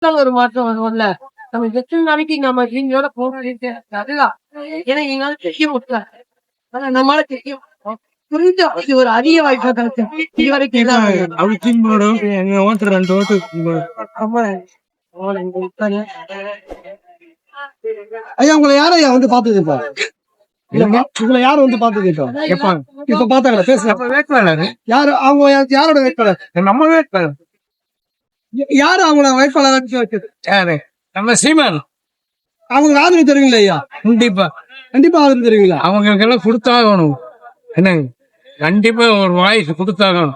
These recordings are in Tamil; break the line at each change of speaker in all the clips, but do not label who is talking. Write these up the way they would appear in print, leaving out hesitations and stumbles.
ஒரு மாற்றம் வரும்ல. நம்ம எத்தனை நாளைக்கு நம்ம நீங்களோட போராடிட்டு அதுதான். ஏன்னா எங்களால செய்ய முடியல. ஆனா நம்மளால செய்யும். புரிஞ்சு இது ஒரு அரிய வாய்ப்பா கிடைச்சு இதுவரைக்கும்
ஐயா உங்களை யாரும் ஐயா வந்து பாத்தது இப்போ உங்களை யாரும் வந்து பாத்தது இப்போ இப்ப பாத்தாங்களா பேசுறாங்க வேட்பாளர் யாரு அவங்க யாரோட வேட்பாளர் நம்ம வேட்பாளர் யாரு அவங்கள வேட்பாளர் வச்சது யாரு நம்ம சீமான் அவங்களுக்கு ஆதரவு தருவீங்களா ஐயா கண்டிப்பா ஆதரவு தருவீங்களா அவங்களுக்கு எல்லாம் கொடுத்தாகணும் என்ன கண்டிப்பா ஒரு வாய்ஸ் கொடுத்தாகணும்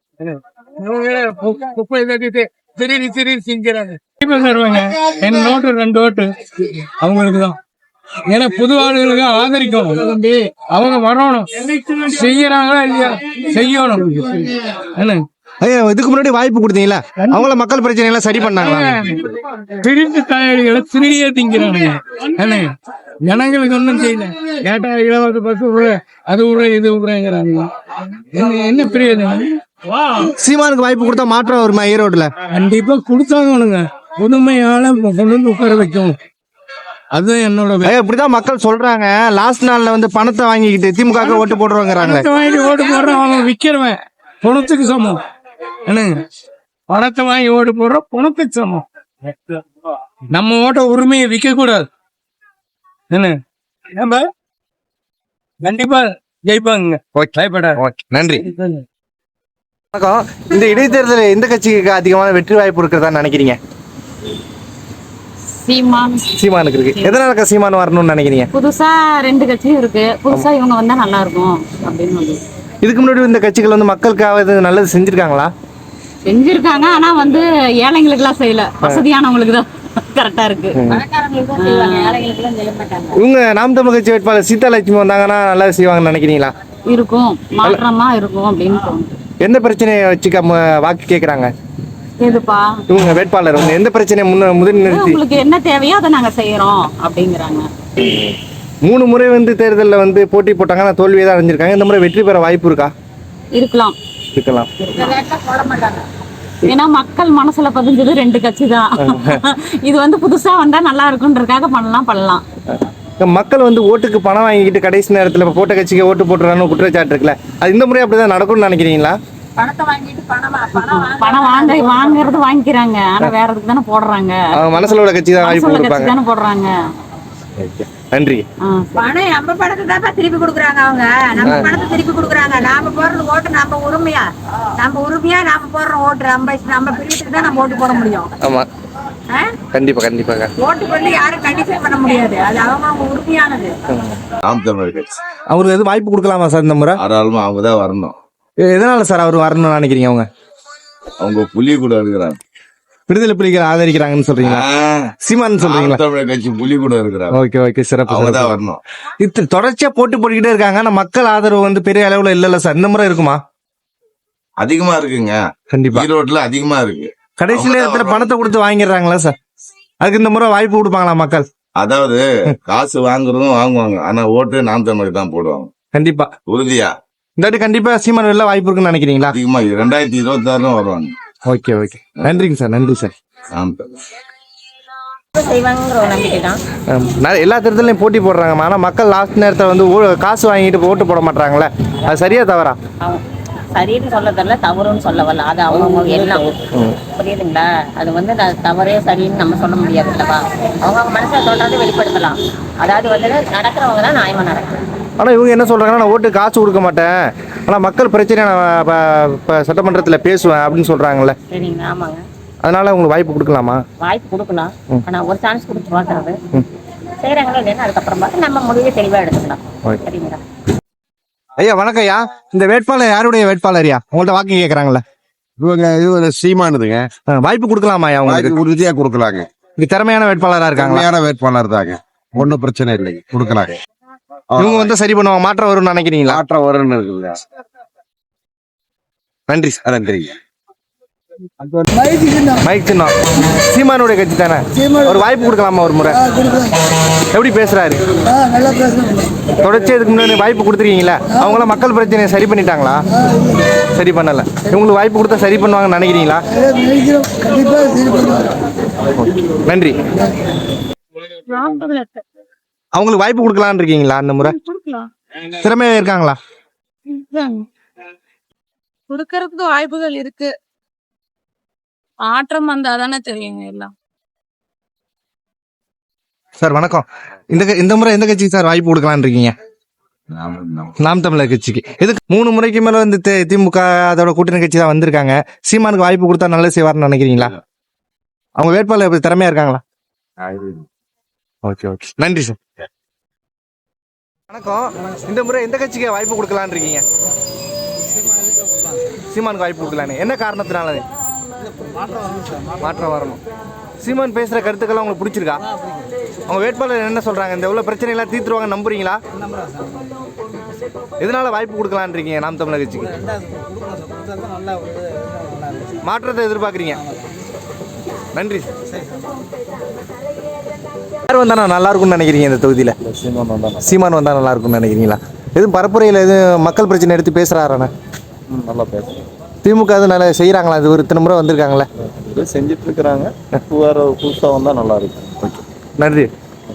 குப்பை தட்டிட்டு திடீர்னு செஞ்சுறாங்க என் நோட்டு 2 ஓட்டு அவங்களுக்குதான். ஏன்னா புது ஆளுகளுக்கு ஆதரிக்கணும், அவங்க வரணும், செய்யறாங்களா இல்லையா செய்யணும். என்ன
ஐயா இதுக்கு முன்னாடி வாய்ப்பு கொடுத்தீங்களா? அவங்கள மக்கள் பிரச்சனை எல்லாம் சரி பண்ணாங்க.
திருட்டு தயாரிகளை திருடியே திங்கிறானுங்க. என்ன ஜனங்களுக்கு ஒன்றும் செய்யல. கேட்டா இலவச பஸ் அது விடுற இது விடுறேங்கிறாங்க. என்ன பிரயோஜனம்?
சீமானுக்கு வாய்ப்பு கொடுத்தா மாற்றம் வருமா ஈரோடுல?
கண்டிப்பா கொடுத்தாங்கணுங்க. புதுமையால கொண்டு வந்து உட்கார வைக்கணும். அதுதான் என்னோட.
இப்படிதான் மக்கள் சொல்றாங்க. லாஸ்ட் நாள்ல வந்து பணத்தை வாங்கிக்கிட்டு திமுக ஓட்டு போடுறோங்கிறாங்க.
வாங்கி ஓட்டு போடுறோம், அவன் விக்கிறவன் பணத்துக்கு சமம். என்னங்க பணத்தை வாங்கி ஓட்டு போடுறோம், பணத்துக்கு சமம். நம்ம ஓட்ட உரிமையை விற்க கூடாது. என்ன நம்ம கண்டிப்பா ஜெயிப்பாங்க.
நன்றி. வணக்கம். இந்த இடைத்தேர்தல் எந்த கட்சிக்கு அதிகமான வெற்றி வாய்ப்பு இருக்கிறதா நினைக்கிறீங்க? சீமானுக்கு இருக்கு. எதனால சீமான் வரணும்னு நினைக்கிறீங்க?
புதுசா 2 கட்சியும் இருக்கு. புதுசா இவங்க வந்தா நல்லா இருக்கும் அப்படின்னு.
இதுக்கு முன்னாடி இந்த கட்சிகள் வந்து மக்களுக்காக நல்லது செஞ்சிருக்காங்களா?
செஞ்சிருக்காங்க. ஆனா வந்து ஏழைங்களுக்கு எல்லாம் செய்யல, வசதியானவங்களுக்கு தான் கரெக்டா இருக்கு.
இவங்க நாம் தமிழ் கட்சி வேட்பாளர் சீதாலட்சுமி வந்தாங்கன்னா நல்லா செய்வாங்கன்னு நினைக்கிறீங்களா?
இருக்கும், மாற்றமா இருக்கும் அப்படின்னு தோணுது.
எந்த பிரச்சனையை வச்சுக்க வாக்கு கேக்குறாங்க?
எதுப்பா
இவங்க வேட்பாளர் வந்து எந்த பிரச்சனையை முதல் நிறுத்தி
உங்களுக்கு என்ன தேவையோ அதை நாங்க செய்யறோம் அப்படிங்கிறாங்க.
3 முறை வந்து தேர்தலில் வந்து போட்டி போட்டாங்க, ஆனால் தோல்வியை தான் அடைஞ்சிருக்காங்க. இந்த முறை வெற்றி பெற வாய்ப்பு இருக்கா?
இருக்கலாம். ஏன்னா மக்கள் மனசுல பதிஞ்சது 2 கட்சி தான். இது வந்து புதுசா வந்தா நல்லா இருக்குன்றதுக்காக பண்ணலாம்.
மக்கள் வந்து ஓட்டுக்கு பணம் வாங்கிக்கிட்டு கடைசி நேரத்துல போட்ட கட்சிக்கு ஓட்டு போட்டுறான்னு குற்றச்சாட்டு இருக்குல்ல, அது இந்த முறை அப்படிதான் நடக்கும்னு நினைக்கிறீங்களா?
பணம் வாங்குறது வாங்கிக்கிறாங்க, ஆனா வேற எதுக்கு தானே போடுறாங்க.
மனசுல உள்ள கட்சி தான் வாங்கி
போடுறாங்க.
நன்றி.
பணம் நம்ம பணத்தை தான் திருப்பி கொடுக்குறாங்க. அவங்க நம்ம பணத்தை திருப்பி கொடுக்குறாங்க. நாம போடுறது ஓட்டு நம்ம உரிமையா நாம போடுற ஓட்டு நம்ம பிரிவுக்கு தான் நம்ம ஓட்டு போட முடியும்.
ஆமா கண்டிப்பாக
ஓட்டு பண்ணி யாரும் கண்டிஷன் பண்ண முடியாது. அது அவங்க உரிமையானது.
நாம் தமிழர் கட்சி
அவருக்கு எது வாய்ப்பு கொடுக்கலாமா சார் இந்த முறை?
தாராளமா அவங்க தான் வரணும்.
எதனால சார் அவர் வரணும்னு நினைக்கிறீங்க?
அவங்க புலி கூட இருக்கிறாங்க,
விடுதலை புலிகள் ஆதரிக்கிறாங்கன்னு சொல்றீங்களா? சீமான் சொல்றீங்களா?
தமிழர் கட்சி புலி கூட இருக்கிறாங்க.
ஓகே சிறப்பு.
அவங்க தான் வரணும்.
இது தொடர்ச்சியா போட்டுக்கிட்டே இருக்காங்க, ஆனா மக்கள் ஆதரவு வந்து பெரிய அளவுல இல்ல சார். இந்த முறை இருக்குமா?
அதிகமா இருக்குங்க.
கண்டிப்பா
ஈரோட்ல அதிகமா இருக்கு.
கடைசி நேரத்துல பணத்தை கொடுத்து வாங்கிடுறாங்களா சார்? அதுக்கு இந்த முறை வாய்ப்பு கொடுப்பாங்களா மக்கள்?
அதாவது காசு வாங்குறதும் வாங்குவாங்க, ஆனா ஓட்டு நாம் தமிழர் தான் போடுவாங்க.
கண்டிப்பா
உறுதியா
இந்த வாட்டி கண்டிப்பா சீமான் வெளில வாய்ப்பு இருக்குன்னு நினைக்கிறீங்களா?
அதிகமா 2026 வருவாங்க.
ஓகே நன்றிங்க சார். நன்றி சார். எல்லா தேர்தலையும் போட்டி போடுறாங்க, ஆனா மக்கள் லாஸ்ட் நேரத்துல வந்து காசு வாங்கிட்டு ஓட்டு போட மாட்டாங்களே, அது சரியா தவறா?
சரின்னு சொல்ல தெரியல, தவறுன்னு சொல்ல வரல. அது அவங்க எல்லாம் புரியுதுங்களா? அது வந்து தவறே சரின்னு நம்ம சொல்ல முடியாது இல்லவா? அவங்க மனசுல சொல்றதை வெளிப்படுத்தலாம். அதாவது வந்து நடக்கிறவங்க தான் நியாயமா நடக்கும்.
ஆனா இவங்க என்ன சொல்றாங்கன்னா, நான் ஓட்டு காசு கொடுக்க மாட்டேன், ஆனா மக்கள் பிரச்சனை நான் சட்டமன்றத்துல பேசுவேன் அப்படின்னு சொல்றாங்கல்ல.
சரிங்களா? ஆமாங்க.
அதனால உங்களுக்கு வாய்ப்பு கொடுக்கலாமா?
வாய்ப்பு கொடுக்கலாம், ஆனா ஒரு சான்ஸ் கொடுத்து பார்க்கறது செய்யறாங்களோ இல்லைன்னா அதுக்கப்புறம் பார்த்து நம்ம முடிவே தெளிவா எடுத்துக்கலாம். சரிங்களா?
ஐயா வணக்கம் ஐயா. இந்த வேட்பாளர் யாருடைய வேட்பாளர்யா? உங்கள்ட்ட வாக்கு கேக்குறாங்கல்ல.
இவங்க சீமானுதுங்க.
வாய்ப்பு கொடுக்கலாமா ஐயா? உங்களுக்கு
உறுதியா கொடுக்கலாங்க.
இது திறமையான வேட்பாளரா இருக்காங்க.
திறமையான வேட்பாளர் தாங்க, ஒன்னும் பிரச்சனை இல்லைங்க, கொடுக்கலாங்க.
இவங்க வந்து சரி பண்ணுவாங்க, மாற்றம் வரும்னு நினைக்கிறீங்களா?
மாற்றம் வரும்னு இருக்குல்ல.
நன்றி சார்.
நன்றி.
மைக் சின்னம் சீமானுடைய கட்சி தானே, ஒரு வாய்ப்பு கொடுக்கலாமா ஒரு முறை? எப்படி பேசுறாரு? தொடர்ச்சி இதுக்கு முன்னாடி வாய்ப்பு கொடுத்துருக்கீங்களா? அவங்களாம் மக்கள் பிரச்சனையை சரி பண்ணிட்டாங்களா? சரி பண்ணல. இவங்களுக்கு வாய்ப்பு கொடுத்தா சரி பண்ணுவாங்கன்னு நினைக்கிறீங்களா? நன்றி. அவங்களுக்கு வாய்ப்பு கொடுக்கலான்னு இருக்கீங்களா அந்த முறை? திறமையா இருக்காங்களா?
கொடுக்கறதுக்கு வாய்ப்புகள் இருக்கு. மாற்றம் வந்தாதானே தெரியுங்க எல்லாம்.
சார் வணக்கம். இந்த முறை எந்த கட்சிக்கு சார் வாய்ப்பு கொடுக்கலான்னு இருக்கீங்க? நாம் தமிழர் கட்சிக்கு. எதுக்கு 3 முறைக்கு மேல வந்து திமுக அதோட கூட்டணி கட்சி தான் வந்திருக்காங்க. சீமானுக்கு வாய்ப்பு கொடுத்தா நல்லது செய்வார்னு நினைக்கிறீங்களா? அவங்க வேட்பாளர் எப்படி திறமையா இருக்காங்களா? ஓகே ஓகே, நன்றி சார். வணக்கம். இந்த முறை எந்த கட்சிக்கு வாய்ப்பு கொடுக்கலான்னு இருக்கீங்க? சீமானுக்கு வாய்ப்பு கொடுக்கலான்னு. என்ன காரணத்தினால? மாற்றம் வரணும். சீமான் பேசுற கருத்துக்கெல்லாம் உங்களுக்கு பிடிச்சிருக்கா? அவங்க வேட்பாளர் என்ன சொல்றாங்க? இந்த உள்ள பிரச்சனை எல்லாம் தீர்த்துருவாங்க நம்புறீங்களா? எதனால வாய்ப்பு கொடுக்கலான்னு இருக்கீங்க நாம் தமிழர் கட்சிக்கு? மாற்றத்தை எதிர்பார்க்குறீங்க. நன்றி. யார் வந்தா நல்லா இருக்கும்னு நினைக்கிறீங்க இந்த தொகுதியில? சீமான் வந்தா நல்லா இருக்கும்னு நினைக்கிறீங்களா? எதுவும் பரப்புரையில் எதுவும் மக்கள் பிரச்சனை எடுத்து பேசுறாரானே? நல்லா பேசுறேன். திமுக அது நல்லா செய்யறாங்களா? இது ஒரு இத்தனை முறை வந்திருக்காங்களே,
செஞ்சுட்டு இருக்கிறாங்க. புதுசா வந்தா நல்லா இருக்கும்.
ஓகே, நன்றி.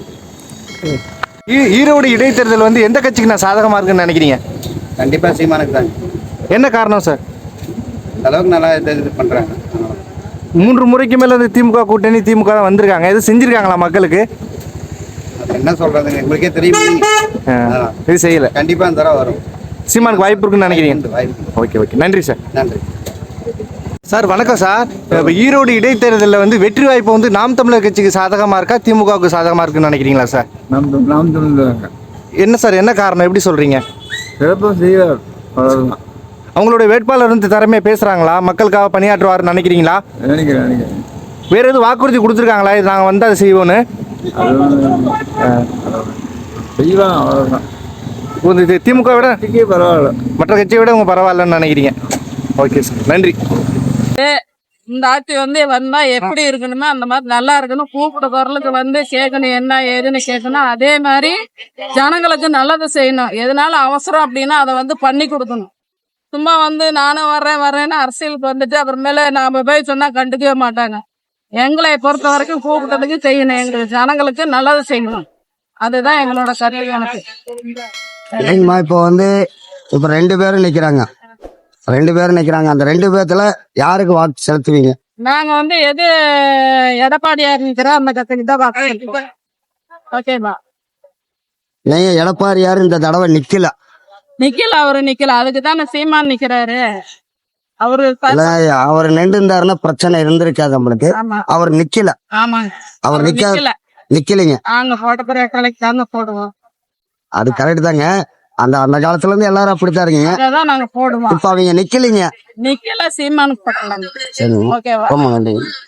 ஈரோடு இடைத்தேர்தல் வந்து எந்த கட்சிக்கு நான் சாதகமா இருக்குன்னு நினைக்கிறீங்க?
கண்டிப்பா சீமானுக்கு தான்.
என்ன காரணம் சார்?
அளவுக்கு நல்லா இது பண்றாங்க.
3 முறைக்கு மேல வந்து திமுக கூட்டணி திமுக தான் வந்திருக்காங்க. எது செஞ்சிருக்காங்களா மக்களுக்கு?
என்ன சொல்றதுங்க, உங்களுக்கே தெரியும்.
இது செய்யல.
கண்டிப்பா அந்த தடவை வரும்.
சீமானுக்கு வாய்ப்பு இருக்குன்னு நினைக்கிறீங்க? ஓகே ஓகே, நன்றி சார்.
நன்றி
சார். வணக்கம் சார். இப்போ ஈரோடு இடைத்தேர்தலில் வந்து வெற்றி வாய்ப்பு வந்து நாம் தமிழர் கட்சிக்கு சாதகமா இருக்கா திமுகவுக்கு சாதகமா இருக்குன்னு நினைக்கிறீங்களா சார்?
நாம் தமிழ்.
என்ன சார், என்ன காரணம், எப்படி சொல்றீங்க? அவங்களுடைய வேட்பாளர் வந்து திறமையா பேசுறாங்களா? மக்களுக்காக பணியாற்றுவாருன்னு நினைக்கிறீங்களா? வேற எதுவும் வாக்குறுதி கொடுத்துருக்காங்களா இது நாங்கள் வந்து அதை செய்வோன்னு? இது திமுக விட
பரவாயில்ல,
மற்ற கட்சியை விட உங்க பரவாயில்லன்னு நினைக்கிறீங்க. ஓகே சார், நன்றி.
இந்த ஆட்சி வந்தா எப்படி இருக்கணுமோ அந்த மாதிரி நல்லா இருக்கணும். கூப்பிட குரலுக்கு கேட்கணும், என்ன ஏதுன்னு கேட்கணும். அதே மாதிரி ஜனங்களுக்கு நல்லது செய்யணும். எதனால அவசரம் அப்படின்னா அதை பண்ணி கொடுக்கணும். சும்மா நானும் வர்றேன்னு அரசியலுக்கு அப்புறமேல நாம போய் சொன்னா கண்டுக்கவே மாட்டாங்க. எங்களை பொறுத்த வரைக்கும் கூப்பிட்டதுக்கு செய்யணும். எங்களுக்கு ஜனங்களுக்கு நல்லது செய்யணும். அதுதான் எங்களோட கருத்து. எனக்கு
இல்லைங்கம்மா, இப்போ இப்போ 2 பேரும் நிக்கிறாங்க. அந்த 2 பேர்த்துல யாருக்கு வாக்கு செலுத்துவீங்க?
நாங்க எது எடப்பாடியா இருக்கிறோம் அந்த கட்சிக்கு தான் பார்க்க. ஓகேவா?
நீங்க எடப்பாடி யாரு இந்த தடவை நிக்கல?
அவரு நிக்கல. அதுக்கு தானே சீமான் நிக்கிறாரு.
அவர் நின்று இருந்தாருன்னா பிரச்சனை இருந்திருக்காது நம்மளுக்கு. அவர் நிக்கல.
ஆமாங்க,
அவர் நிக்கலைங்க.
நாங்க போட்ட பிறகு கலைக்கு தாங்க போடுவோம்.
அது கரெக்ட் தாங்க. அந்த காலத்துல இருந்து எல்லாரும் அப்படித்தான் இருக்கீங்க.
அதான் நாங்க போடுவோம்.
இப்ப அவங்க நிக்கலைங்க.
சீமானுக்கு போட்டலாம்.
சரி,
ஓகேவா?
ரொம்ப நன்றி.